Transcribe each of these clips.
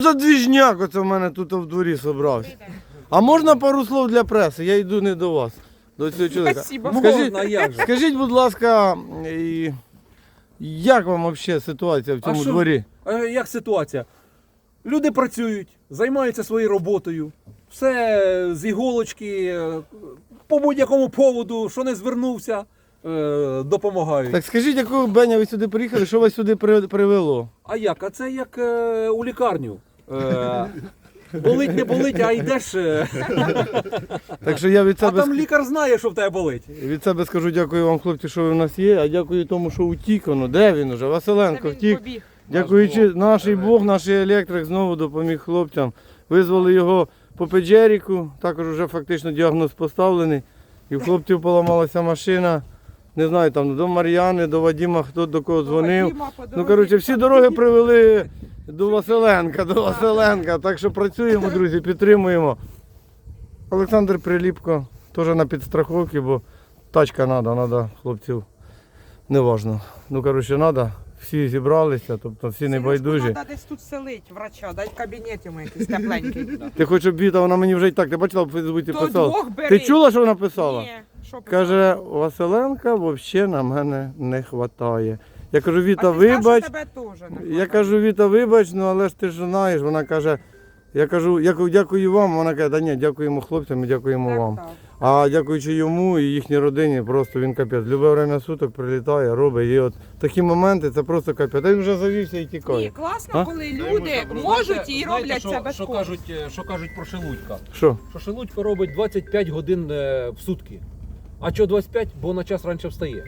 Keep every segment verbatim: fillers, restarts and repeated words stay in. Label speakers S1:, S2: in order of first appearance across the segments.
S1: за двіжняк оце в мене тут в дворі зібрався? А можна пару слов для преси? Я йду не до вас, до цього чоловіка.
S2: Спасибо.
S1: Скажіть,
S3: Можна, як же?
S1: скажіть, будь ласка, і як вам взагалі ситуація в цьому
S3: А що?
S1: дворі?
S3: А як ситуація? Люди працюють, займаються своєю роботою, все з іголочки, е, по будь-якому поводу, що не звернувся, е, допомагають.
S1: Так скажіть, якого Беня ви сюди приїхали, що вас сюди при- привело?
S3: А як? А це як е, у лікарню. Е, болить, не болить, а йдеш. е,
S1: Так що я від
S3: А
S1: себе,
S3: там
S1: ск-
S3: лікар знає, що в тебе болить.
S1: від себе скажу дякую вам, хлопці, що ви в нас є, а дякую тому, що утік воно. Де він уже? Василенко втік.
S2: Побіг.
S1: Дякуючи наш Бог, наш електрик знову допоміг хлопцям. Визвали його по Педжеріку, також вже фактично діагноз поставлений. І в хлопців поламалася машина. Не знаю, там до Мар'яни, до Вадима, хто до кого дзвонив.
S2: Вадима по
S1: Ну,
S2: дорозі
S1: коротше, всі
S2: там
S1: дороги
S2: біг.
S1: привели до Василенка, до Василенка. Так що працюємо, друзі, підтримуємо. Олександр Приліпко теж на підстраховці, бо тачка треба, треба хлопців. Неважно. Ну, коротше, треба. Всі зібралися, тобто всі не байдужі.
S2: Треба десь тут селить врача, дай в кабінеті йому якийсь тепленький.
S1: Ти хоч обіда, вона мені вже і так, ти бачила, в Фейсбуці
S2: То
S1: писала.
S2: двох бери.
S1: Ти чула, що вона писала?
S2: Ні, що
S1: Каже, Василенка взагалі на мене не вистачає. Я кажу, Віта,
S2: а ти знав,
S1: вибач.
S2: що тебе теж не
S1: Я
S2: хватає?
S1: кажу, Віта, вибач, ну але ж ти ж знаєш, вона каже, я кажу, я кажу, дякую вам, вона каже, да ні, дякуємо хлопцям і дякуємо
S2: Так,
S1: вам.
S2: так.
S1: А дякуючи йому і їхній родині, просто він капець. Любе время суток прилітає, робить. І от такі моменти це просто капець. А він вже завівся і
S2: Ні,
S1: тікає.
S2: класно,
S1: А?
S2: коли люди можуть і роблять
S3: що,
S2: це
S3: що
S2: безкоштовно.
S3: кажуть, е, що кажуть про Шелудька?
S1: Що?
S3: Що Шелудько робить двадцять п'ять годин е, в сутки. А чого двадцять п'ять? Бо на час раніше встає.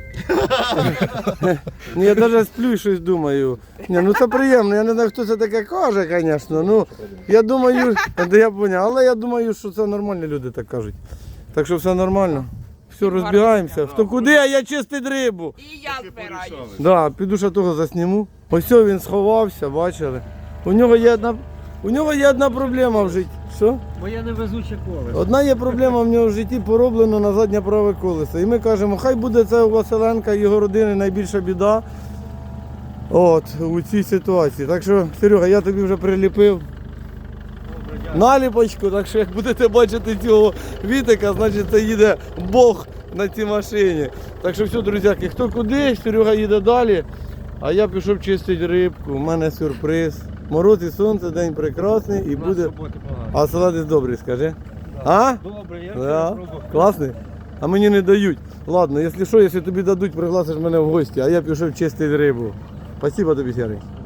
S1: Ні, я навіть сплю і щось думаю. Ні, ну це приємно, я не знаю, хто це таке каже, звісно. Ну, я думаю, да я поняв, але я думаю, що це нормальні люди так кажуть. Так що все нормально. Все, розбігаємося. Хто куди, а я чистить рибу.
S2: І я збираю.
S1: Да, піду ще того засніму. Ось о, він сховався, бачили. У нього є одна, у нього є одна проблема в житті. Що?
S4: Моє невезуче колесо.
S1: Одна є проблема в нього в житті, пороблено на заднє праве колесо. І ми кажемо, хай буде це у Василенка і його родини найбільша біда. От, у цій ситуації. Так що, Серега, я тобі вже приліпив наліпочку, так що як будете бачити цього Вітика, значить це їде Бог на цій машині. Так що все, друзяки, хто куди, Серега їде далі, а я пішов чистити рибку, у мене сюрприз. Мороз і сонце, день прекрасний і буде... А салатець добрий, скажи. А?
S4: Добре, я
S1: Да.
S4: пробував.
S1: Класний? А мені не дають. Ладно, якщо що, якщо тобі дадуть, пригласиш мене в гості, а я пішов чистити рибу. Спасибо тобі, Серий.